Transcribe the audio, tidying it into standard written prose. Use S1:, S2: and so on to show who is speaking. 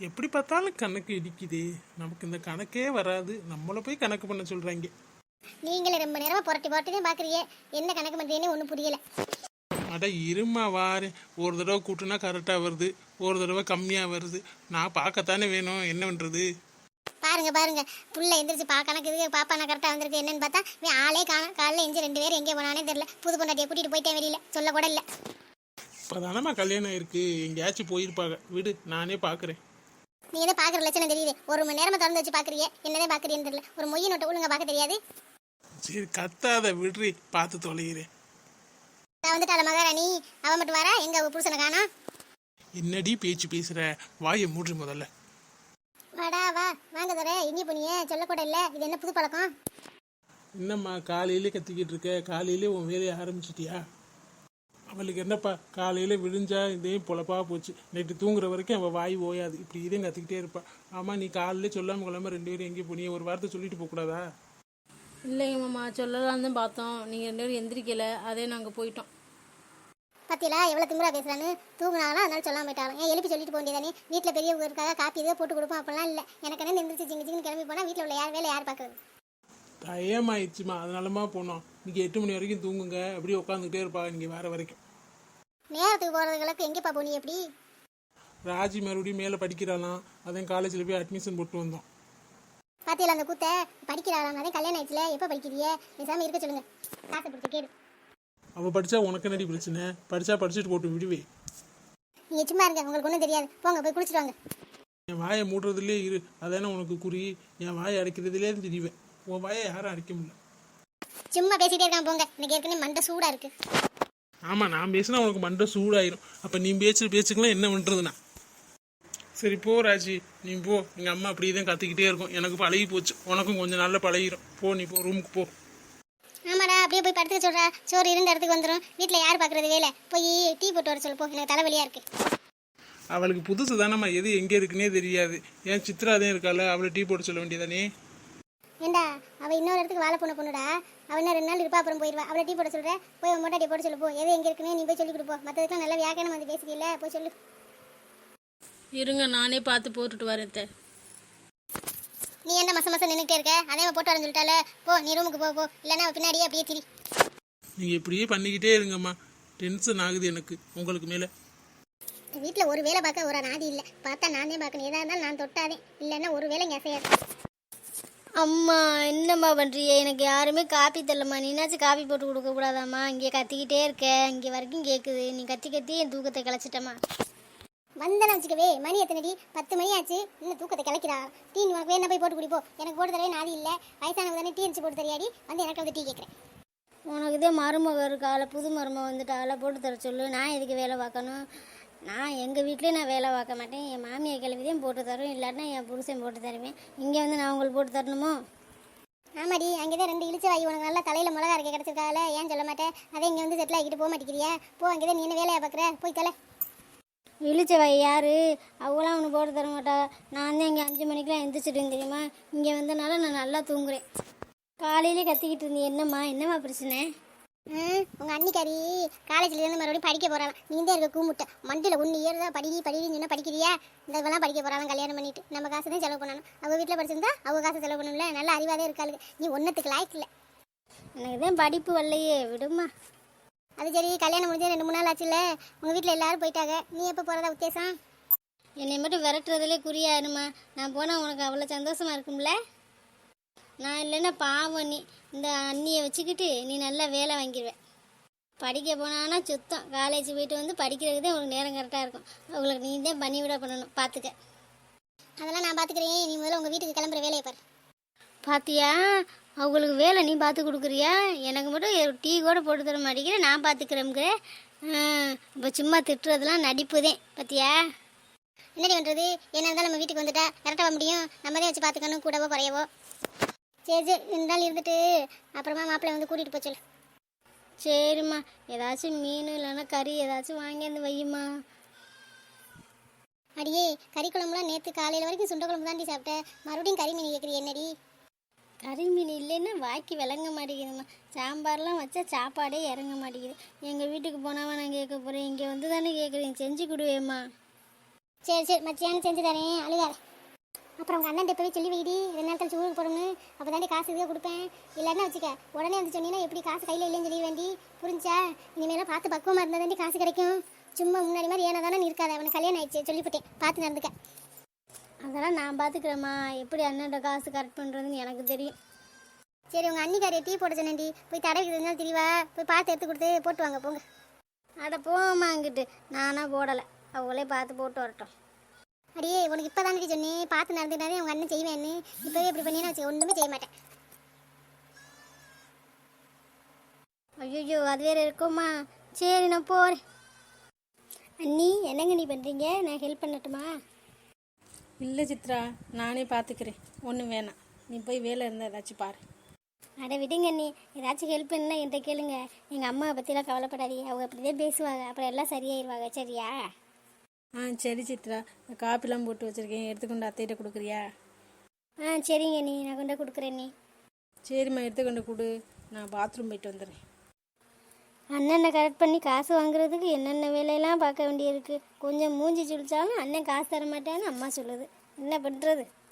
S1: எப்படி பார்த்தாலும் கணக்கு இடிக்குது. நமக்கு இந்த கணக்கே வராது. நம்மளை போய் கணக்கு பண்ண சொல்றாங்க.
S2: நீங்களே ரொம்ப நேரமா புரட்டி புரட்டி தான் பாக்குறீங்க. என்ன கணக்கு பண்றீங்கன்னு ஒன்றும் புரியல.
S1: அட இருமா வாரு. ஒரு தடவை கூட்டுனா கரெக்டாக வருது, ஒரு தடவை கம்மியாக வருது. நான் பார்க்கத்தானே வேணும், என்ன பண்ணுறது?
S2: பாருங்க பாருங்க, புள்ள எந்திரிச்சு கணக்கு இருக்கு பாப்பா நான் கரெக்டாக வந்திருக்கு என்னன்னு பார்த்தா இவன் ஆளே காணும். காலைல எஞ்சி 2 பேரும் எங்கே போனானே தெரியல. புது பொண்டாட்டியை கூட்டிட்டு போயிட்டேன் வெளியில, சொல்ல கூட இல்லை.
S1: இப்போ தானம்மா கல்யாணம் இருக்கு, எங்கேயாச்சும் போயிருப்பாங்க. விடு, நானே பார்க்குறேன்.
S2: நீ எதை பார்க்குற லட்சணம் தெரியுது. 1 மணி நேரமா திறந்து வச்சு பார்க்குறீங்க, என்னதே பார்க்குறீன்னு தெரியல. ஒரு மொய் நோட்டை ஒழுங்கா பார்க்க தெரியாது.
S1: சரி கத்தாத, விடுறி, பார்த்து தொலைகிறேன்.
S2: நான் வந்துட்டால மகாராணி, அவன் மட்டும் வரா, எங்க அவ புருஷனை காணோம்.
S1: என்னடி பேச்சு பேசுற? வாயை மூடி முதல்ல.
S2: வாடா வா, வாங்க தர. எங்கே போனீங்க சொல்லக்கூட இல்லை. இது என்ன புது பழக்கம்?
S1: என்னம்மா காலையிலே கத்திக்கிட்டு இருக்க? காலையிலே உன் வேலையை ஆரம்பிச்சிட்டியா? அவளுக்கு என்னப்பா, காலையில் விழுந்தா இதையும் பொழப்பா போச்சு. நைட்டு தூங்குற வரைக்கும் அவள் வாய் ஓயாது, இப்படி இதையும் கத்திக்கிட்டே இருப்பா. ஆமாம், நீ காலையிலே சொல்லாமல் கொள்ளாமல் 2 பேரும் எங்கேயும் போனீங்க? ஒரு வார்த்தை சொல்லிட்டு போகக்கூடாதா?
S3: இல்லைங்க மாமா, சொல்லலான்னு தான் பார்த்தோம். நீங்கள் 2 பேரும் எந்திரிக்கலை, அதே நாங்கள் போயிட்டோம்.
S2: பத்தியில எவ்வளோ திமுறா பேசுறான்னு. தூங்குனாலும் அதனால சொல்லாம போயிட்டாலும் ஏன் எழுப்பி சொல்லிட்டு போக வேண்டியதானே. வீட்டில் பெரியவங்க இருக்காக காப்பி எதோ போட்டு கொடுப்போம் அப்படிலாம் இல்லை. எனக்கு என்ன எந்திரிச்சு ஜிங்கு ஜிங்கு கிளம்பி போனால் வீட்டில் உள்ள வேலை யார் பார்க்குறது?
S1: டயமாயிடுச்சுமா, அதனாலமா போனோம். நீங்கள் 8 மணி வரைக்கும் தூங்குங்க, அப்படியே உட்காந்துக்கிட்டே இருப்பாங்க நீங்கள் வர வரைக்கும்.
S2: நேரத்துக்கு போகிறதுகளுக்கு எங்கேப்பா போனி? எப்படி
S1: ராஜி மறுபடியும் மேலே படிக்கிறாளாம், அதான் காலேஜில் போய் அட்மிஷன் போட்டு வந்தோம்.
S2: பாத்தியில அந்த கூத்த படிக்கிறாளாம், அதே கல்யாணம் ஆயிடுச்சுல. எப்போ படிக்கிறியே? பேசாமல் இருக்க சொல்லுங்க. காசை பிடிச்ச கேடு.
S1: அவள் படித்தா உனக்கு என்னடி பிரச்சனை? படித்தா படிச்சுட்டு போட்டு விடுவே.
S2: நீங்கள் சும்மா இருங்க, உங்களுக்கு ஒன்றும் தெரியாது. போங்க போய் குளிச்சுட்டு வாங்க.
S1: என் வாயை மூடுறதுலே இரு, அதானே உனக்கு குறி. என் வாயை அடைக்கிறதுலே தெரியுவேன், உன் வாயை யாரும் அடைக்க முடியல.
S2: சும்மா பேசிகிட்டே இருக்கான் போங்க. எனக்கு ஏற்கனவே மண்டை சூடாக இருக்கு.
S1: ஆமாம், நான் பேசினா உனக்கு மண்டை சூடாயிரும். அப்போ நீ பேச்சுக்கலாம் என்ன பண்ணுறதுண்ணா? சரி போ ராஜி, நீ போ. எங்கள் அம்மா அப்படியே தான் கத்திக்கிட்டே இருக்கும், எனக்கு பழகி போச்சு. உனக்கும் கொஞ்சம் நாளில் பழகிரும். போ, நீ போ, ரூமுக்கு போ.
S2: ஆமாடா, அப்படியே போய் படுத்துக்க சொல்கிறா. சோறு இருந்த இடத்துக்கு வந்துடும். வீட்டில் யார் பார்க்குறது வேலை? போய் டீ போட்டு வர சொல்லு போ, எனக்கு தலைவலியாக இருக்கு.
S1: அவளுக்கு புதுசு தானம்மா, எது எங்கே இருக்குன்னே தெரியாது. ஏன் சித்ரா தான் இருக்கால, அவளை டீ போட்டு சொல்ல வேண்டியதானே.
S2: ஏண்டா, அவள் இன்னொரு இடத்துக்கு வாழை பொண்ணுடா. அவள் இன்னும் 2 நாள் இருப்பா, அப்புறம் போயிடுவா. அவளை டீ போட சொல்கிறேன். போய் மொட்டை டீ போட்டு சொல்லு போ. எது எங்கே இருக்குன்னு நீ போய் சொல்லி கொடுப்போம். மற்றதுக்கெல்லாம் நல்லா வியாக்கியானம் வந்து பேசிக்கல, போய் சொல்லு.
S3: இருங்க, நானே பார்த்து போட்டுட்டு வரேன்.
S2: நீ என்ன மசம் நின்றுட்டே இருக்க? அதே போட்டு வரேன்னு சொல்லிட்டால. போ, நீ ரூமுக்கு போ. இல்லைன்னா பின்னாடியே அப்படியே திரி.
S1: நீங்கள் இப்படியே பண்ணிக்கிட்டே இருங்கம்மா, டென்ஷன் ஆகுது எனக்கு உங்களுக்கு மேலே.
S2: வீட்டில் ஒரு வேலை பார்க்க ஒரு நாதி இல்லை. பார்த்தா நானே பார்க்கணும். எதாக இருந்தாலும் நான் தொட்டாதே, இல்லைன்னா ஒரு வேலை இங்கே அசையாது.
S4: அம்மா என்னம்மா பண்ணுறிய? எனக்கு யாருமே காப்பி தரலம்மா. நீனாச்சும் காப்பி போட்டு கொடுக்கக்கூடாதாம்மா? இங்கே கத்திக்கிட்டே இருக்க, இங்கே வரைக்கும் கேட்குது. நீ கத்தி கத்தி என் தூக்கத்தை கிளச்சிட்டம்மா.
S2: வந்தேன்னு வச்சுக்கவே. மணி எத்தனைடி? 10 மணி ஆச்சு, இன்னும் தூக்கத்தை கிளக்கிறா. டீ உனக்கு வேணா போய் போட்டு குடிப்போ. எனக்கு போட்டு தரவே நாதி இல்லை. வயசானவங்க தானே டீ அடிச்சு போட்டு தரையாடி. வந்து எனக்கு வந்து டீ கேட்குறேன்.
S4: உனக்கு இதே மருமக இருக்கால, புது மருமக வந்துட்டால, போட்டு தர சொல்லு. நான் எதுக்கு வேலை பார்க்கணும்? நான் எங்கள் வீட்லேயே நான் வேலை பார்க்க மாட்டேன். என் மாமியை கிளவிதையும் போட்டு தரும், இல்லாட்டினா என் புருஷன் போட்டு தருவேன். இங்கே வந்து நான் உங்களுக்கு போட்டு தரணுமோ?
S2: ஆமாடி, அங்கே தான் 2 இழிச்ச வாய் உனக்கு நல்லா தலையில் மிளகா அரைக்க கிடச்சிருக்கால. ஏன் சொல்ல மாட்டேன்? அதே இங்கே வந்து செட்டில் ஆகிட்டு போக மாட்டேங்கிறியா? போ, அங்கே தான் நீ என்ன வேலையை பார்க்குற? போய் தலை.
S4: இழிச்சவாய் யாரு? அவங்களாம் அவனு போட்டு தர மாட்டா. நான் தான் இங்கே 5 மணிக்கெலாம் எந்திரிச்சிட்டேன் தெரியுமா? இங்கே வந்தனால நான் நல்லா தூங்குறேன். காலையிலே கத்திக்கிட்டு இருந்தேன். என்னம்மா பிரச்சனை?
S2: உங்கள் அன்னிக்காரி காலேஜ்லேருந்து மறுபடியும் படிக்க போகிறாளாம். நீ தான் இருக்க கூமுட்டை மண்டியில் 1 இயர் தான் படின்னு சொன்னால் படிக்கிறியா? இந்த இதெல்லாம் படிக்க போகிறாலும் கல்யாணம் பண்ணிட்டு நம்ம காசு தான் செலவு பண்ணணும். அவங்க வீட்டில் படிச்சிருந்தா அவங்க காசு செலவு பண்ணணும்ல. நல்ல அறிவாதே இருக்காளுங்க. நீ ஒன்றத்துக்கு லாய்க்கு இல்லை.
S4: எனக்கு தான் படிப்பு வரலையே, விடுமா.
S2: அது சரி, கல்யாணம் முடிஞ்சு 2-3 நாள் ஆச்சுல்ல. உங்கள் வீட்டில் எல்லாரும் போயிட்டாங்க. நீ எப்போ போகிறதா உத்தேசம்?
S4: என்னை மட்டும் விரட்டுறதுலே குறியாயிருமா. நான் போனால் உனக்கு அவ்வளோ சந்தோஷமாக இருக்கும்ல. நான் இல்லைன்னா பாவம். நீ இந்த அண்ணியை வச்சுக்கிட்டு நீ நல்லா வேலை வாங்கிடுவேன். படிக்க போனான்னா சுத்தம். காலேஜ் போயிட்டு வந்து படிக்கிறதுக்கு தான் உனக்கு நேரம் கரெக்டாக இருக்கும். அவங்களுக்கு நீ தான் பண்ணிவிட பண்ணணும், பார்த்துக்க.
S2: அதெல்லாம் நான் பார்த்துக்கிறேன். நீ முதல்ல உங்கள் வீட்டுக்கு கிளம்புற வேலையை பாரு.
S4: பார்த்தியா, அவங்களுக்கு வேலை நீ பார்த்து கொடுக்குறியா? எனக்கு மட்டும் டீ கூட போட்டு தர மாட்டேங்கிற. நான் பார்த்துக்கிறேங்க. இப்போ சும்மா திட்டுறதுலாம் நடிப்புதேன். பார்த்தியா?
S2: என்னடி பண்ணுறது? என்ன இருந்தாலும் நம்ம வீட்டுக்கு வந்துட்டா கரெக்டாக முடியும். நம்ம தான் வச்சு பார்த்துக்கணும், கூடவோ குறையவோ. சரி 2 நாள் இருந்துட்டு அப்புறமா மாப்பிள்ளை வந்து கூட்டிகிட்டு போச்சு.
S4: சரிம்மா, ஏதாச்சும் மீன் இல்லைன்னா கறி ஏதாச்சும் வாங்கியாந்து வையுமா.
S2: அடியே, கறி குழம்புலாம் நேற்று காலையில் வரைக்கும் சுண்ட குழம்பு தாண்டி சாப்பிட்டேன். மறுபடியும் கறி மீன் கேட்குறீ என்னடி?
S4: கறி மீன் இல்லைன்னா வாய்க்கு விளங்க மாட்டேங்குதும்மா. சாம்பார்லாம் வச்சா சாப்பாடே இறங்க மாட்டேங்குது. எங்கள் வீட்டுக்கு போனாவா நான் கேட்க போகிறேன்? இங்கே வந்து தானே கேட்குறேன், செஞ்சு கொடுவேம்மா.
S2: சரி சரி மச்சியான்னு செஞ்சு தரேன், அழுகாத. அப்புறம் உங்கள் அண்ணன் போய் சொல்லி வைடி 2 நாள் கழிச்சு ஊருக்கு போகணும்னு. அப்போ தாண்டி காசு இதுவே கொடுப்பேன். இல்லைன்னா வச்சுக்க உடனே வந்து சொன்னீங்கன்னா எப்படி காசு கையில் இல்லைன்னு சொல்லி வேண்டி, புரிஞ்சா? இனிமேலாம் பார்த்து பக்குவமாக இருந்தால் தாண்டி காசு கிடைக்கும். சும்மா முன்னாடி மாதிரி ஏன்னா தானே இருக்காது. அவனுக்கு கல்யாணம் ஆயிடுச்சு சொல்லிவிட்டேன், பார்த்து நடந்துக்க.
S4: அதெல்லாம் நான் பார்த்துக்கிறேம்மா. எப்படி அண்ணன்ட காசு கரெக்ட் பண்ணுறதுன்னு எனக்கு தெரியும்.
S2: சரி உங்கள் அன்னிக்காரியை டீ போட சொன்னேன்டி, போய் தடவைக்கு இருந்தாலும் தெரியவா, போய் பார்த்து எடுத்து கொடுத்து போட்டு வாங்க போங்க.
S4: அட போம்மா அங்கிட்டு, நானாக போடலை, அவங்களே பார்த்து போட்டு வரட்டும்.
S2: அடியே உனக்கு இப்போ தானே சொன்னேன் பார்த்து நடந்துட்டாலே உங்கள் அண்ணன் செய்வேன்னு. இப்போவே இப்படி பண்ணினா வச்சு ஒன்றுமே செய்ய மாட்டேன்.
S4: ஐயோ அது வேறு இருக்குமா? சரி நான் போகிறேன். அண்ணி என்னங்க நீ பண்ணுறீங்க? நான் ஹெல்ப் பண்ணட்டுமா?
S3: இல்லை சித்ரா, நானே பார்த்துக்கிறேன், ஒன்றும் வேணாம். நீ போய் வேலை இருந்தால் ஏதாச்சும் பாரு.
S4: அட விடுங்க அண்ணி, ஏதாச்சும் ஹெல்ப் பண்ணலாம் என்கிட்ட கேளுங்க. எங்கள் அம்மாவை பற்றிலாம் கவலைப்படாதீங்க, அவங்க அப்படியே பேசுவாங்க, அப்புறம் எல்லாம் சரியாயிருவாங்க. சரியா?
S3: சரி சித்ரா, இந்த காப்பிலாம் போட்டு வச்சுருக்கேன், எடுத்துக்கொண்டு அத்தைகிட்ட கொடுக்குறியா?
S4: சரிங்க அண்ணி, நான் கொண்டு கொடுக்குறேன் அண்ணி.
S3: சரிம்மா, எடுத்துக்கொண்டு கொடு, நான் பாத்ரூம் போயிட்டு வந்துடுறேன்.
S4: அண்ணனை கரெக்ட் பண்ணி காசு வாங்குறதுக்கு என்னென்ன வேலையெல்லாம் பார்க்க வேண்டியிருக்கு. கொஞ்சம் மூஞ்சி சுழிச்சாலும் அண்ணன் காசு தர மாட்டேன்னு அம்மா சொல்லுது. என்ன பண்ணுறது?